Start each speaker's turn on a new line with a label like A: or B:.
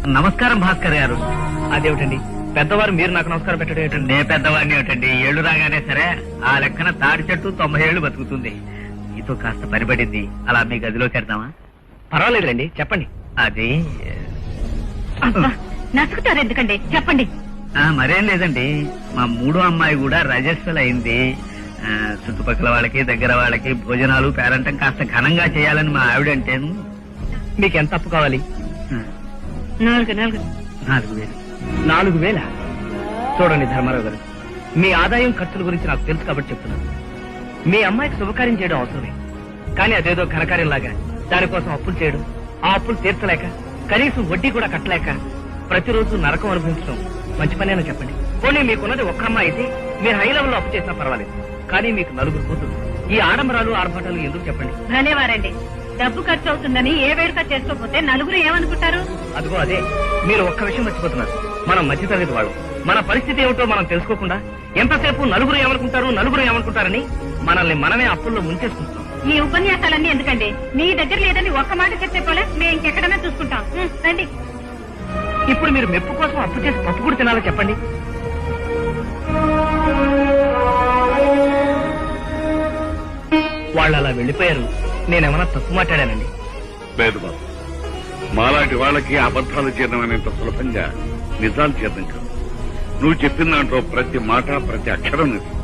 A: నమస్కారం భాస్కర్ గారు.
B: అదేమిటండి పెద్దవారు మీరు నాకు నమస్కారం పెట్టడం ఏంటండి?
A: నే పెద్దవాడిని ఏమిటండి, ఏళ్ళు రాగానే సరే ఆ లెక్కన తాడి చెట్టు 90 ఏళ్లు బతుకుతుంది. మీతో కాస్త పనిపడింది, అలా మీ గదిలోకి వెళ్దామా?
B: పర్వాలేదులేండి, చెప్పండి.
A: అది
C: నసుకుతారు ఎందుకండి, చెప్పండి.
A: మరేం లేదండి, మా మూడో అమ్మాయి కూడా రజస్వల్ అయింది. చుట్టుపక్కల వాళ్ళకి దగ్గర వాళ్ళకి భోజనాలు పేరంటం కాస్త ఘనంగా చేయాలని మా ఆవిడంటేను.
B: మీకు ఎంత అప్పు కావాలి?
C: 4,000.
B: 4,000? చూడండి ధర్మారావు గారు, మీ ఆదాయం ఖర్చుల గురించి నాకు తెలుసు కాబట్టి చెప్తున్నాను. మీ అమ్మాయికి శుభకార్యం చేయడం అవసరమే, కానీ అదేదో ఘనకార్యంలాగా దానికోసం అప్పులు చేయడం, ఆ అప్పులు తీర్చలేక కనీసం వడ్డీ కూడా కట్టలేక ప్రతిరోజు నరకం అనుభవించడం మంచి పనేనా చెప్పండి. పోనీ మీకున్నది ఒక్క అమ్మాయి అయితే మీరు హై లెవెల్లో అప్పు చేసినా పర్వాలేదు, కానీ మీకు 4 కూతురు. ఈ ఆడంబరాలు ఆర్భాటాలు ఎందుకు చెప్పండి?
C: భలేవారండి, డబ్బు ఖర్చు అవుతుందని ఏ వేడుక చేసుకోకపోతే నలుగురు ఏమనుకుంటారు?
B: అదిగో అదే, మీరు ఒక్క విషయం మర్చిపోతున్నారు. మనం మధ్యతరగతి వాళ్ళు, మన పరిస్థితి ఏమిటో మనం తెలుసుకోకుండా ఎంతసేపు నలుగురు ఏమనుకుంటారని మనల్ని మనమే అప్పుల్లో ముంచేసుకుంటాం.
C: ఈ ఉపన్యాసాలన్నీ ఎందుకండి? మీ దగ్గర లేదని ఒక్క మాట చెప్తే పోలే, మేము ఇంకెక్కడనే చూసుకుంటాం. రండి.
B: ఇప్పుడు మీరు మెప్పు కోసం అప్పు చేసి పప్పు కూడా తినాలో చెప్పండి. వాళ్ళు అలా వెళ్లిపోయారు, నేనేమన్నా తప్పు మాట్లాడానండి?
D: లేదు బాబు, మాలాంటి వాళ్ళకి అబద్ధాలు చేయడం అనేంత సులభంగా నిజాలు చేయడం కాదు. నువ్వు చెప్పిన దాంట్లో ప్రతి మాట ప్రతి అక్షరం నిజం.